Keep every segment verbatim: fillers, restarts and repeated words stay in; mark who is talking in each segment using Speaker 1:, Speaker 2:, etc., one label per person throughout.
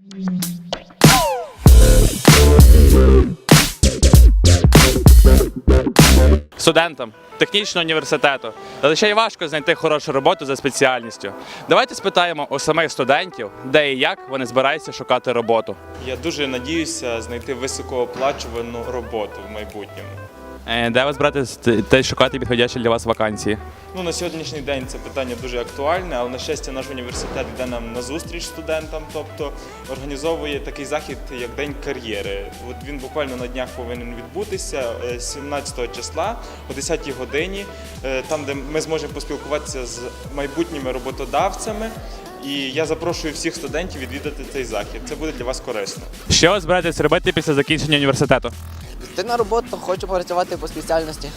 Speaker 1: Студентам технічного університету зазвичай важко знайти хорошу роботу за спеціальністю. Давайте спитаємо у самих студентів, де і як вони збираються шукати роботу.
Speaker 2: Я дуже надіюся знайти високооплачувану роботу в майбутньому.
Speaker 1: Е, Де ви збираєтесь те шукати підходящі для вас вакансії?
Speaker 2: Ну, на сьогоднішній день це питання дуже актуальне, але, на щастя, наш університет йде нам на зустріч студентам, тобто організовує такий захід, як День кар'єри. От він буквально на днях повинен відбутися сімнадцятого числа о десятій годині, там, де ми зможемо поспілкуватися з майбутніми роботодавцями. І я запрошую всіх студентів відвідати цей захід. Це буде для вас корисно.
Speaker 1: Що ви збираєтесь робити після закінчення університету?
Speaker 3: Йти на роботу, хочу працювати по спеціальності.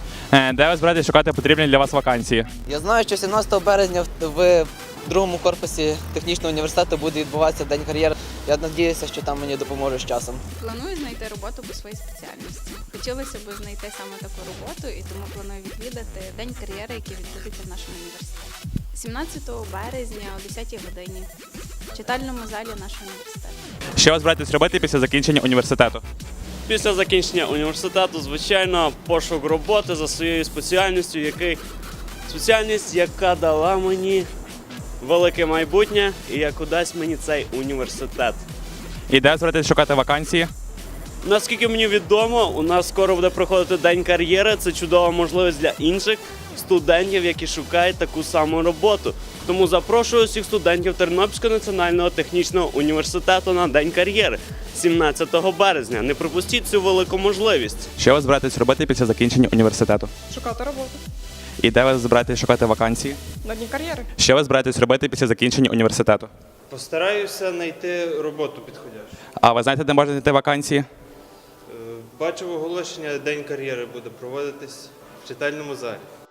Speaker 1: Е, Де ви збираєтесь шукати потрібні для вас вакансії?
Speaker 3: Я знаю, що сімнадцятого березня в другому корпусі технічного університету буде відбуватися День кар'єри. Я сподіваюся, що там мені допоможуть з часом.
Speaker 4: Планую знайти роботу по своїй спеціальності. Хотілося б знайти саме таку роботу, і тому планую відвідати День кар'єри, який відбудеться в нашому університеті. сімнадцятого березня о десятій годині в читальному залі нашого університету.
Speaker 1: Що ви збираєтесь робити після закінчення університету?
Speaker 5: Після закінчення університету, звичайно, пошук роботи за своєю спеціальністю, який спеціальність, яка дала мені велике майбутнє і яку дасть мені цей університет.
Speaker 1: І де ви збираєтесь шукати вакансії?
Speaker 5: Наскільки мені відомо, у нас скоро буде проходити День кар'єри. Це чудова можливість для інших студентів, які шукають таку саму роботу. Тому запрошую всіх студентів Тернопільського національного технічного університету на День кар'єри сімнадцятого березня. Не пропустіть цю велику можливість.
Speaker 1: Що ви збираєтесь робити після закінчення університету?
Speaker 6: Шукати роботу
Speaker 1: І де ви збираєтесь шукати вакансії?
Speaker 6: на дні кар'єри.
Speaker 1: Що ви збираєтесь робити після закінчення університету?
Speaker 7: Постараюся знайти роботу підходящу.
Speaker 1: А ви знаєте, де можна знайти вакансії?
Speaker 7: Е, Бачив оголошення, День кар'єри буде проводитись в читальному залі.